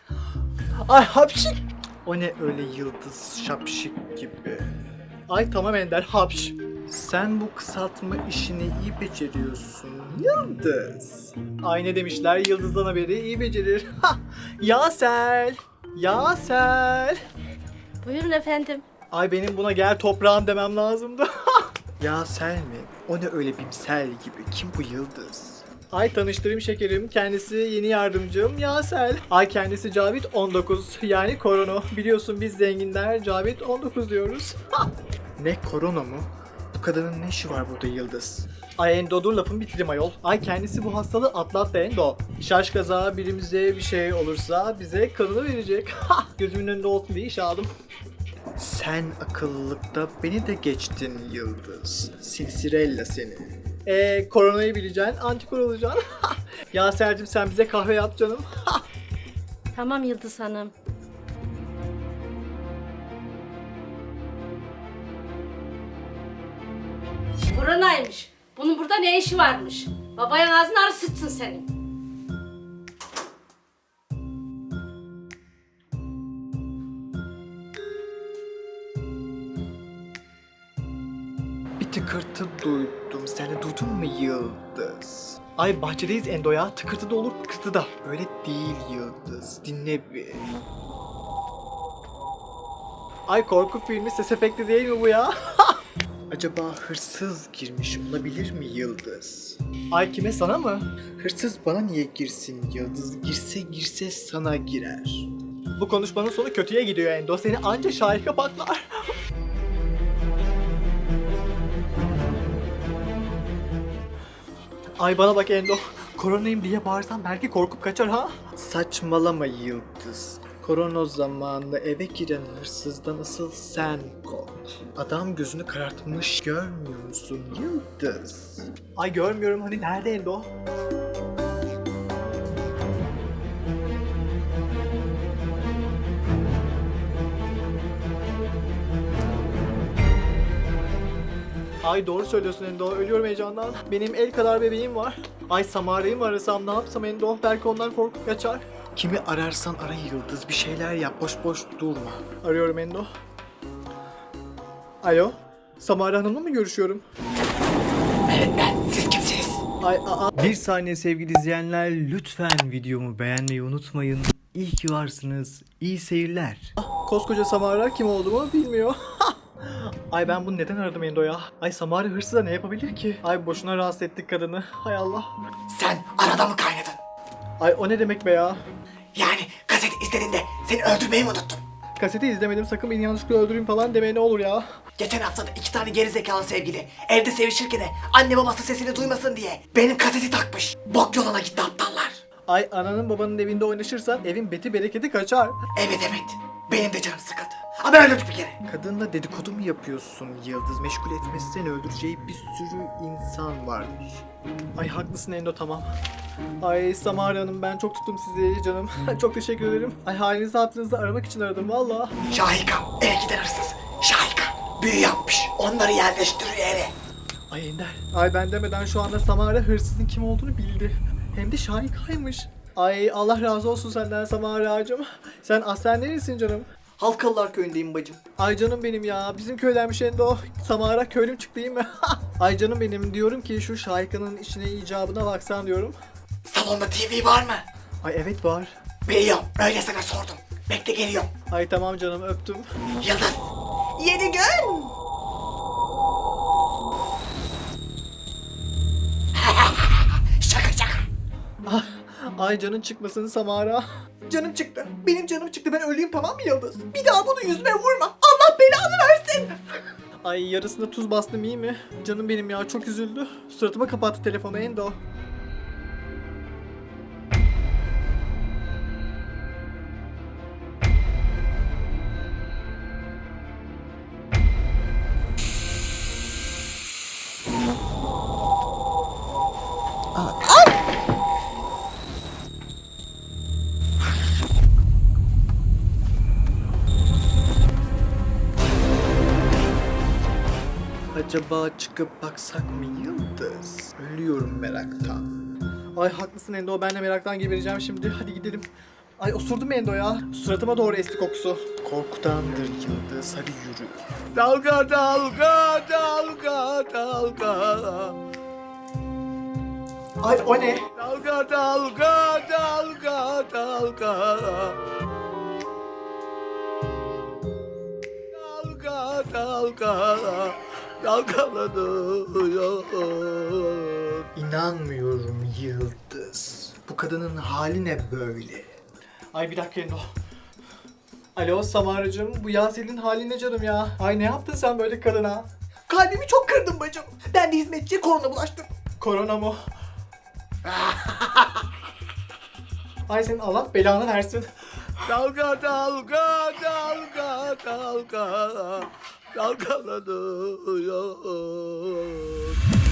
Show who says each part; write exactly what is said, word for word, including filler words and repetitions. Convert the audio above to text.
Speaker 1: Ay hapşik. O ne öyle yıldız şapşik gibi. Ay tamam Ender hapş. Sen bu kısaltma işini iyi beceriyorsun Yıldız. Ay ne demişler yıldızdan haberi iyi becerir. Ha! Yasel. Yasel.
Speaker 2: Buyurun efendim.
Speaker 1: Ay benim buna gel toprağım demem lazımdı. Yasel mi? O ne öyle bimsel gibi? Kim bu Yıldız? Ay tanıştırayım şekerim. Kendisi yeni yardımcım Yasel. Ay kendisi Cavit on dokuz. Yani korona. Biliyorsun biz zenginler Cavit on dokuz diyoruz. Ne korona mu? Bu kadının ne işi var burada Yıldız? Ay Endo dur lafın bitireyim ayol. Ay kendisi bu hastalığı atlattı Endo. Şaş kaza birimize bir şey olursa bize kanını verecek. Gözümün önünde olsun diye iş aldım. Sen akıllılıkta beni de geçtin Yıldız. Silsirella seni. Eee koronayı bileceksin, antikor olacaksın. Ya Sercim sen bize kahve yap canım.
Speaker 2: Tamam Yıldız Hanım. Koronaymış. Bunun burada ne işi varmış? Babayın ağzını arı sıçsın senin.
Speaker 1: Bir tıkırtı duydum. Sen de duydun mu Yıldız? Ay bahçedeyiz Endo ya. Tıkırtı da olur, tıkırtı da. Öyle değil Yıldız. Dinle bir. Ay korku filmi ses efekti değil mi bu ya? Acaba hırsız girmiş olabilir mi Yıldız? Ay kime sana mı? Hırsız bana niye girsin Yıldız? Girse girse sana girer. Bu konuşmanın sonu kötüye gidiyor Endo. Seni anca şahit kapaklar. Ay bana bak Endo. Koronayım diye bağırsam belki korkup kaçar ha? Saçmalama Yıldız. Korona zamanında eve giren hırsızdan asıl sen kork. Adam gözünü karartmış görmüyor musun Yıldız? Ay görmüyorum hani nerede Endo? Ay doğru söylüyorsun Endo. Ölüyorum heyecandan. Benim el kadar bebeğim var. Ay Samara'yı mı arasam ne yapsam Endo? Belki ondan korkup kaçar. Kimi ararsan ara Yıldız. Bir şeyler yap. Boş boş durma. Arıyorum Endo. Alo. Samara Hanım'la mı görüşüyorum?
Speaker 3: Evet ben. Siz kimsiniz?
Speaker 1: Ay aa.
Speaker 4: Bir saniye sevgili izleyenler, lütfen videomu beğenmeyi unutmayın. İyi ki varsınız. İyi seyirler.
Speaker 1: Koskoca Samara kim olduğumu bilmiyor. Ay ben bunu neden aradım Endo ya? Ay Samara hırsıza ne yapabilir ki? Ay boşuna rahatsız ettik kadını. Hay Allah.
Speaker 3: Sen arada mı kaynadın?
Speaker 1: Ay o ne demek be ya?
Speaker 3: Yani kaseti izlediğinde seni öldürmeyi mi unuttun?
Speaker 1: Kaseti izlemedim sakın beni yanlışlıkla öldüreyim falan demeye ne olur ya.
Speaker 3: Geçen hafta da iki tane gerizekalı sevgili evde sevişirken de anne babası sesini duymasın diye benim kaseti takmış. Bok yoluna gitti aptallar.
Speaker 1: Ay ananın babanın evinde oynaşırsan evin beti bereketi kaçar.
Speaker 3: Evet evet. Benim de canım sıkıldı. Ama ben öldürdüm bir kere.
Speaker 1: Kadınla dedikodu mu yapıyorsun Yıldız? Meşgul etmezsen öldüreceği bir sürü insan varmış. Ay haklısın Endo tamam. Ay Samara Hanım ben çok tuttum sizi canım. Çok teşekkür ederim. Ay halinizi hatırınızı aramak için aradım valla.
Speaker 3: Şahika eve giden hırsız. Şahika büyü yapmış. Onları yerleştiriyor eve.
Speaker 1: Ay Ender. Ay ben demeden şu anda Samara hırsızın kim olduğunu bildi. Hem de Şahika'ymış. Ay Allah razı olsun senden Samara'cığım. Sen aslen neresin canım? Halkalılar köyündeyim bacım. Ay canım benim ya. Bizim köydenmiş Endo. Samara köylüm çıktı değil mi? Ay canım benim diyorum ki şu Şahika'nın işine icabına baksan diyorum.
Speaker 3: Salonda T V var mı?
Speaker 1: Ay evet var.
Speaker 3: Biliyorum. Öyle sana sordum. Bekle geliyorum.
Speaker 1: Ay tamam canım öptüm.
Speaker 3: Yıldız. Yeni gün. Şaka şaka.
Speaker 1: Ay canın çıkmasın Samara. Canım çıktı. Benim canım çıktı. Ben öleyim tamam mı Yıldız? Bir daha bunu yüzüme vurma. Allah belanı versin. Ay yarısında tuz bastım iyi mi? Canım benim ya çok üzüldü. Suratıma kapattı telefonu Endo. Acaba çıkıp baksak mı Yıldız? Ölüyorum meraktan. Ay haklısın Endo ben de meraktan gebereceğim şimdi. Hadi gidelim. Ay osurdu mu Endo ya? Suratıma doğru esti kokusu. Korkudandır yıldız, hadi yürü. Dalga dalga dalga dalga. Ay o ne? Dalga dalga dalga dalga. Dalga dalga dalgalanıyor. İnanmıyorum yıldız. Bu kadının hali ne böyle? Ay bir dakika Endo. Alo Samaracığım, bu Yasel'in hali ne canım ya? Ay ne yaptın sen böyle kadına?
Speaker 3: Kalbimi çok kırdın bacım. Ben de hizmetçiye korona bulaştım.
Speaker 1: Korona mı? Ay senin Allah belanı versin. Dalga dalga dalga dalga dalgalanıyor.